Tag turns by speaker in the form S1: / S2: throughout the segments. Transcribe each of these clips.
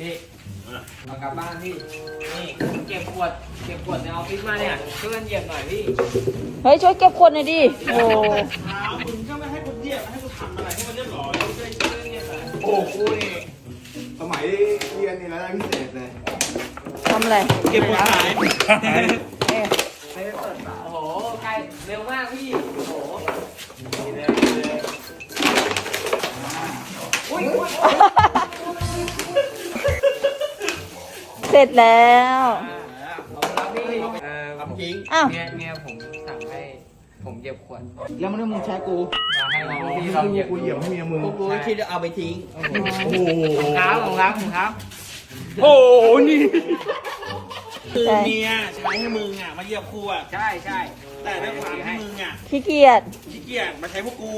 S1: พี่เอากลับบ้านพี่นี่เก็บขวดในออฟฟิศมาเนี่ยช่วยกันเหยียบหน่อยพี่
S2: เฮ้ยช่วยเก็บขวดหน่อยดิโอ้
S3: เท้ามึงก็ไม่ให้คนเหยียบให้กูทำอะไรให้มันเรียบร้อย
S1: ช่วยกันเหยียบหน่อย
S4: โอ้กูนี่สมัยเรียนนี่แล้วได้พิเศษเลย
S2: ทำอะไร
S3: เก็บขวดขาย
S2: เอ๊ะ
S1: ไปเปิดฝาโอ้โหใกล้เร็วมากพี่โอ้โหเลยอุ้ย
S2: เสร็จแล้ว
S1: เอาพี่
S4: ทำจริง
S2: อ้าว
S1: เมียผมสั่งให้ผมเหยียบขวด
S4: แล้วมันมึงใช้กู
S1: มาให้พี่ลองเหยียบ
S4: กูเหยียบให้เมียมึง
S3: กูก็คิดจะเอาไปทิ้ง
S4: โอ้โห
S1: ครับ
S3: โอ้โหนี่คือเมียใช้ให้มึงอ่ะมาเหยียบกูอ่ะ
S1: ใช่
S3: แต่ด้วยความที่มึงอ่ะ
S2: ขี้เกียจ
S3: ขี้เกียจมาใช้พวกกู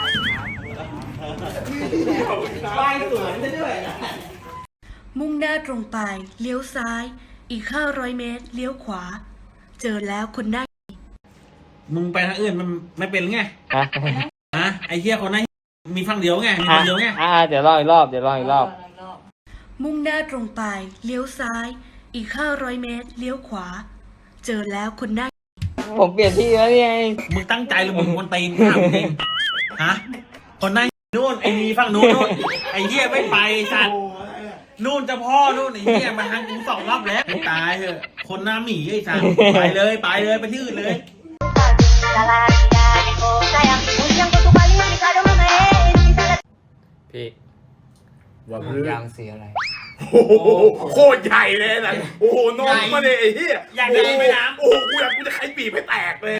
S4: ป้ายสวนได้ด้วยนะ
S5: มุ่งหน้าตรงไปเลี้ยวซ้าย อีก 500 เมตร เลี้ยวขวา เจอแล้วคนได้
S3: มึงไปทางอื่นมันไม่เป็นไงฮะไอ้เหี้ยคนนั้นมีฝั่งเดียวไงมีคนเดียวไง
S1: เดี๋ยวรออีกรอบ
S5: มุ่งหน้าตรงไปเลี้ยวซ้าย อีก 500 เมตร เลี้ยวขวา เจอแล้วคนได้
S1: ผมเปลี่ยนที่แล้วนี่ไง
S3: มึงตั้งใจหรือมึงคนตีนถามจริงฮะคนนั้นนู่นไอ้มีฝั่งนู้นนู่นไอ้เหี้ยไม่ไปสัตว์นู่นจะพ่อนู่นไอ้เหี้ยมาทางกู2 รอบแล้วตายเถอะคนหน้าหมีไอ้สัตว์ไปเลยไปที่อื่นเลย
S1: พี่
S4: ว่า
S1: ยางสีอะไร
S4: โอ้โหโคตรใหญ่เลยนะโอ้โหนมมาเลยไอ้เหี้ย
S3: อยากได้ไหมน้ำ
S4: โอ้โหกูจะไขปีกให้แตกเลย